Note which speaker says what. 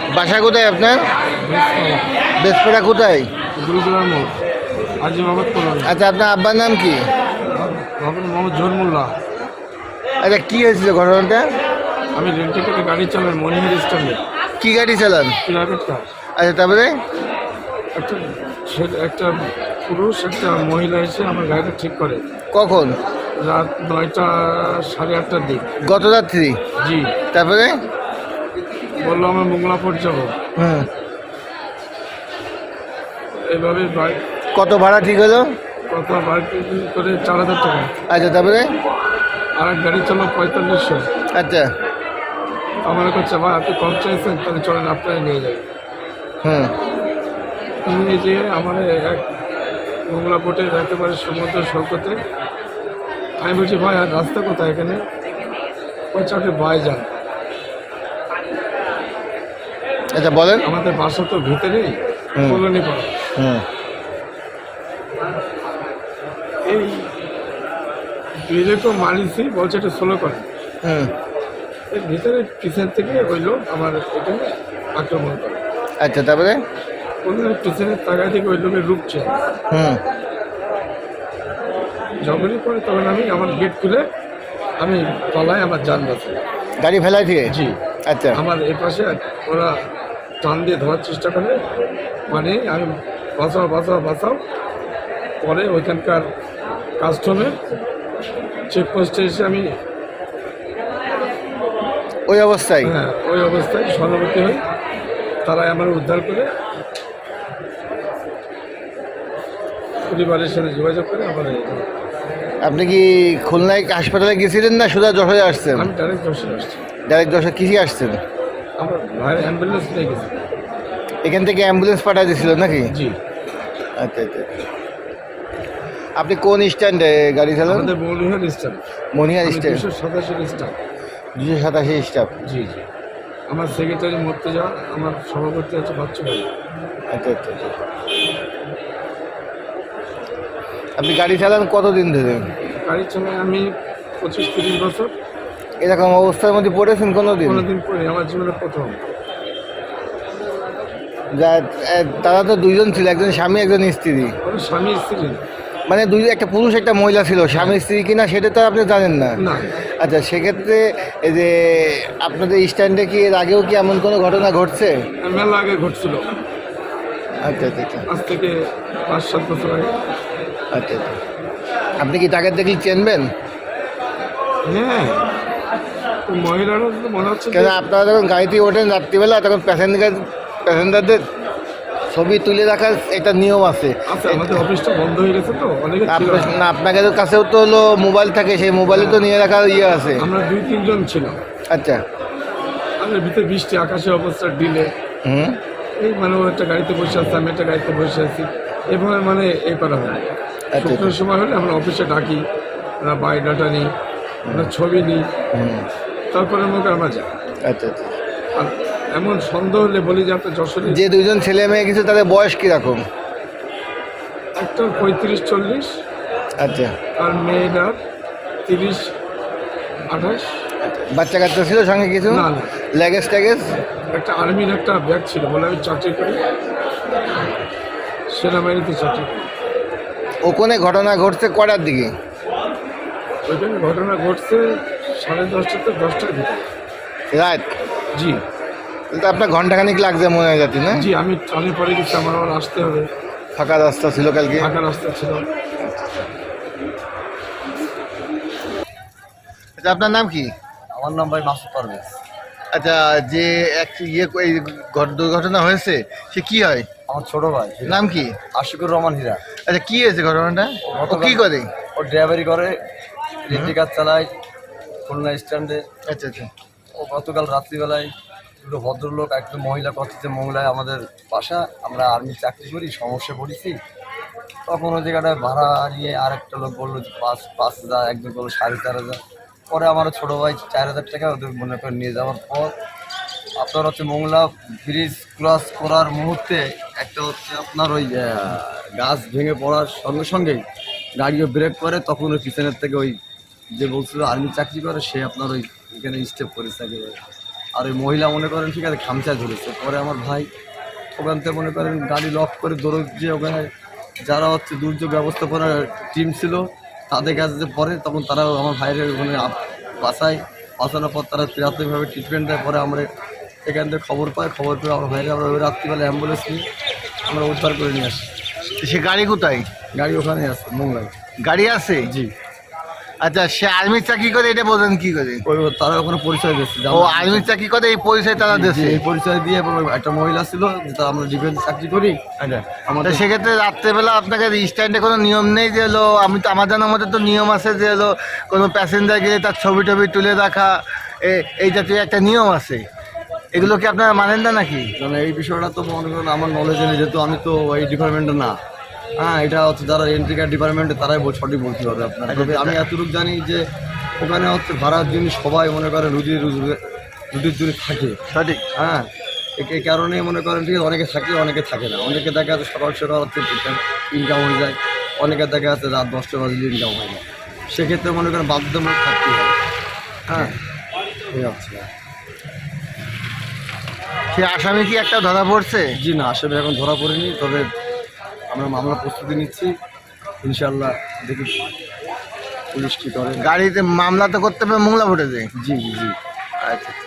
Speaker 1: বাসা কোথায় আপনার? বেসপাড়া কোথায়?
Speaker 2: গুরুদুয়ার মোড়, আজি মোহাম্মদ কলোনি।
Speaker 1: আচ্ছা, আপনার আব্বার নাম কি?
Speaker 2: মোহাম্মদ জোহর মোল্লা।
Speaker 1: আচ্ছা, কি হয়েছিল ঘটনাটা?
Speaker 2: আমি রেন্টে করে গাড়ি চালাই মনিহার স্ট্যান্ডে,
Speaker 1: কি গাড়ি চালান?
Speaker 2: Private car.
Speaker 1: আচ্ছা, তারপরে?
Speaker 2: একটা একটা পুরুষ একটা মহিলা এসে আমার গাড়িটা ঠিক করে
Speaker 1: কখন?
Speaker 2: রাত 9টা 8:30টার দিক।
Speaker 1: গত রাত্রি?
Speaker 2: জি।
Speaker 1: তারপরে?
Speaker 2: বললো আমরা মোংলাপুর যাবো।
Speaker 1: হুম।
Speaker 2: এইভাবে
Speaker 1: কত ভাড়া ঠিক হলো?
Speaker 2: কত বাইক করে 4,000 টাকা।
Speaker 1: আচ্ছা, তারপরে?
Speaker 2: আর এক গাড়ি চালো 4500।
Speaker 1: আচ্ছা।
Speaker 2: আমার কাছে ভাই আপনি কম চাইছেন, তাহলে চলেন আপনারা নিয়ে যাবেন।
Speaker 1: হুম।
Speaker 2: নিয়ে যেয়ে আমার এক মোংলাপোর্টে একেবারে সমুদ্র সৈকতে। আমি বলছি ভাই আর রাস্তা কোথায় এখানে? বলছে আপনি ভাই যান।
Speaker 1: আচ্ছা, বলেন।
Speaker 2: আমাদের বাসা তো ভিতরেই, কলোনি পাড়া।
Speaker 1: হুম।
Speaker 2: এই ব্রিজে তো মারিছি, বলছে এটা স্লো করে।
Speaker 1: হুম।
Speaker 2: এর ভিতরে পিছন থেকে ওই লোক আমার এখানে আক্রমণ করে।
Speaker 1: আচ্ছা, তারপরে?
Speaker 2: কোনো পিছনের তাকায় থেকে ওই লোকের রূপ চেঞ্জ।
Speaker 1: হুম।
Speaker 2: যখনই পরে তখন আমি আমার গেট খুলে আমি তলায় আমার যান বাঁচি।
Speaker 1: গাড়ি ফেলাই থেকে?
Speaker 2: জি।
Speaker 1: আচ্ছা।
Speaker 2: আমার এ পাশে ওরা টান দিয়ে ধরার চেষ্টা করে, মানে আমি বাঁচাও বাঁচাও বাঁচাও। পরে ওইখানকার কাস্টমের চেকপোস্টে এসে আমি
Speaker 1: ওই অবস্থায়?
Speaker 2: হ্যাঁ ওই অবস্থায় সহানুভূতি হই। তারাই আমার উদ্ধার করে পরিবারের সাথে যোগাযোগ করে আমার
Speaker 1: আপনি কি খুলনায় হাসপাতালে গেছিলেন না সোজা যশোরে আসছেন?
Speaker 2: আমি ডাইরেক্ট যশোরে আসছি।
Speaker 1: ডাইরেক্ট যশোর কিসে আসছেন?
Speaker 2: আমার ভাইয়ের অ্যাম্বুলেন্স নিয়ে গেছি।
Speaker 1: এখান থেকে অ্যাম্বুলেন্স পাঠিয়ে দিয়েছিল নাকি?
Speaker 2: জি।
Speaker 1: আচ্ছা আচ্ছা। আপনি কোন স্ট্যান্ডে গাড়ি চালান?
Speaker 2: আমাদের মৌলিহার staff.
Speaker 1: Manihar stand.
Speaker 2: 287 staff.
Speaker 1: 287 staff.
Speaker 2: জি জি। আমার সেক্রেটারি মরতে যাওয়া, আমার সভাপতি আছে বাচ্চু ভাই।
Speaker 1: আচ্ছা আচ্ছা আচ্ছা। আপনি গাড়ি চালান কতদিন ধরে?
Speaker 2: গাড়ি চালাই আমি 25-30 বছর।
Speaker 1: এরকম অবস্থার মধ্যে পড়েছেন কোনোদিন?
Speaker 2: কোনোদিন পরে আমার জীবনে প্রথম।
Speaker 1: যা তারা তো দুইজন ছিল, একজন স্বামী একজন স্ত্রী।
Speaker 2: আমার স্বামী স্ত্রী
Speaker 1: মানে একটা পুরুষ একটা মহিলা ছিল, স্বামী স্ত্রী কিনা সেটা তো আপনি জানেন না?
Speaker 2: না।
Speaker 1: আচ্ছা, সেক্ষেত্রে এই যে আপনাদের স্ট্যান্ডে কি এর আগেও কি এমন কোনো ঘটনা ঘটছে?
Speaker 2: মেলা আগে ঘটছিল,
Speaker 1: আচ্ছা আচ্ছা আচ্ছা।
Speaker 2: আজ থেকে 5-7 বছর আগে।
Speaker 1: আচ্ছা আচ্ছা। আপনি কি তাকে দেখলে চিনবেন?
Speaker 2: হ্যাঁ, তো মহিলারা তো মনে হচ্ছে
Speaker 1: কেন আপনারা যখন গাড়িতে ওঠেন রাত্রিবেলা তখন প্যাসেঞ্জারদের ছবি তুলে রাখার একটা নিয়ম আছে।
Speaker 2: আচ্ছা, আমাদের অফিসটা বন্ধ হয়ে গেছে তো অনেকে ছিল।
Speaker 1: না, আপনাদের কাছেও তো হলো মোবাইল থাকে, সেই মোবাইলে তো নিয়ে রাখার ইয়ে আছে।
Speaker 2: আমরা 2-3 জন ছিলাম।
Speaker 1: আচ্ছা।
Speaker 2: আমাদের ভিতরে বৃষ্টি, আকাশে অবস্থা ডিলে।
Speaker 1: হুম।
Speaker 2: এই মানে ও একটা গাড়িতে বসে আছে, আমি একটা গাড়িতে বসে আছি, এভাবে মানে এই করা হয়।
Speaker 1: আচ্ছা।
Speaker 2: শুক্রের সময় হলে আমরা অফিসে ডাকি, আমরা বায়োডাটা নিই, আমরা ছবি নিই,
Speaker 1: হুম।
Speaker 2: তারপরে আমাকে আমরা যাই।
Speaker 1: আচ্ছা আচ্ছা।
Speaker 2: আর এমন সন্দেহ হলে বলি যে আপনার যশোরে
Speaker 1: যে দুইজন ছেলে মেয়ে কিছু তাদের বয়স কিরকম?
Speaker 2: একটা 35-40
Speaker 1: আচ্ছা।
Speaker 2: আর মেয়েটার 30-28।
Speaker 1: বাচ্চা কাচ্চা ছিল সঙ্গে কিছু?
Speaker 2: না না,
Speaker 1: লাগেজ ট্যাগেজ?
Speaker 2: একটা আর্মির একটা ব্যাগ ছিল, বলে আমি চাকরি করি, সেনাবাহিনীতে চাকরি করি।
Speaker 1: ওখানে ঘটনা ঘটছে কটার দিকে?
Speaker 2: ওইখানে ঘটনা ঘটছে 10:30 থেকে 10টার ভিতরে।
Speaker 1: রাত?
Speaker 2: জি
Speaker 1: তাহলে তো আপনার ঘন্টাখানিক লাগছে মনে হয় যাতে, না?
Speaker 2: জি, আমি ট্রামে পরে গেছি, আমার আবার আসতে হবে।
Speaker 1: ফাঁকা রাস্তা ছিল কালকে?
Speaker 2: ফাঁকা রাস্তা ছিল।
Speaker 1: আচ্ছা, আপনার নাম কি?
Speaker 3: আমার নাম ভাই মাসুদ পারভেজ।
Speaker 1: আচ্ছা, যে এক এই দুর্ঘটনা হয়েছে সে কি হয়?
Speaker 3: আমার ছোট ভাই।
Speaker 1: নাম কি?
Speaker 3: আশিকুর রহমান হীরা।
Speaker 1: আচ্ছা, কি হয়েছে ঘটনাটা? ও কি করে?
Speaker 3: ও ড্রাইভারি করে, রেন্টি কার চালায় খুলনা স্ট্যান্ডে।
Speaker 1: আচ্ছা আচ্ছা।
Speaker 3: ও গতকাল রাত্রিবেলায় দুটো ভদ্রলোক, একটা মহিলা কথিত মহিলায় আমাদের বাসা, আমরা আর্মি চাকরি করি, সমস্যা পড়েছি। তখন ওই জায়গাটায় ভাড়া নিয়ে আরেকটা লোক বললো যে 5,000, একজন বললো 4,500। পরে আমার ছোটো ভাই 4,000 টাকা ওদের মনে করে নিয়ে যাওয়ার পর আপনার হচ্ছে মোংলা ব্রিজ ক্রস করার মুহূর্তে একটা হচ্ছে আপনার ওই গাছ ভেঙে পড়ার সঙ্গে সঙ্গেই গাড়িও ব্রেক করে। তখন ওই পিছনের থেকে ওই যে বলছিল আর্মি চাকরি করে সে আপনার ওই এখানে স্টেপ করেছে একেবারে। আর ওই মহিলা মনে করেন ঠিক আছে খামচা ধরেছে। পরে আমার ভাই ওখান থেকে মনে করেন গাড়ি লক করে দৌড় যে ওখানে যারা হচ্ছে দুর্যোগ ব্যবস্থাপনার টিম ছিল তাদের কাছে যে পরে তখন তারাও আমার ভাইয়ের ওখানে বাঁচানোর পর তারা প্রাথমিকভাবে ট্রিটমেন্ট দেয়। পরে আমরা এখান থেকে খবর পেয়ে আমার ভাইয়ের আমরা ওই রাত্রিবেলা অ্যাম্বুলেন্স নিয়ে আমরা উদ্ধার করে নিয়ে আসি।
Speaker 1: সে গাড়ি কোথায়?
Speaker 3: গাড়ি ওখানে আছে মোংলায়।
Speaker 1: গাড়ি আছে?
Speaker 3: জি।
Speaker 1: আচ্ছা, সে আর্মির চাকরি করে, এটা বোঝেন কি করে?
Speaker 3: ওই তারা ওখানে পরিচয় দিচ্ছে।
Speaker 1: ও আর্মির চাকরি করে, এই পরিচয় তারা দিচ্ছে।
Speaker 3: এই পরিচয় দিয়ে এবং একটা মহিলা ছিল যেটা আমরা ডিফেন্স চাকরি করি।
Speaker 1: আচ্ছা,
Speaker 3: আমাদের
Speaker 1: সেক্ষেত্রে রাত্রেবেলা আপনাকে স্ট্যান্ডে কোনো নিয়ম নেই যে হলো, আমি তো আমার জানার মধ্যে তো নিয়ম আছে যে হলো কোনো প্যাসেঞ্জার গেলে তার ছবি টবি তুলে রাখা, এই জাতীয় একটা নিয়ম আছে, এগুলো কি আপনারা মানেন না নাকি?
Speaker 3: মানে এই বিষয়টা তো মনে করেন আমার নলেজে নেই, যেহেতু আমি তো এই ডিপার্টমেন্টে না। হ্যাঁ, এটা হচ্ছে যারা এন্ট্রি কার্ড ডিপার্টমেন্টে তারাই সঠিক বলতে পারবে আপনার। তবে আমি এতটুকু জানি যে ওখানে হচ্ছে ভাড়ার জন্য সবাই মনে করেন রুটির জন্য থাকে।
Speaker 1: সঠিক।
Speaker 3: হ্যাঁ, এই কারণে মনে করেন ঠিক আছে, অনেকে থাকে অনেকে থাকে না। অনেকে দেখা যাচ্ছে সকাল সকাল হচ্ছে ইনকাম হয়ে যায়, অনেকে দেখা যাচ্ছে রাত 10টা বাজলে ইনকাম হয় না। সেক্ষেত্রে মনে করেন বাধ্যতামূলক থাকতেই হবে। হ্যাঁ, এই হচ্ছে।
Speaker 1: সে আসামি কি একটা ধরা পড়ছে?
Speaker 3: জি না, আসলে এখন ধরা পড়েনি, তবে আমরা মামলা প্রস্তুতি নিচ্ছি। ইনশাল্লাহ দেখি পুলিশ কী করে।
Speaker 1: গাড়িতে মামলা তো করতে হবে মোংলা ফুটেছে।
Speaker 3: জি জি জি।
Speaker 1: আচ্ছা।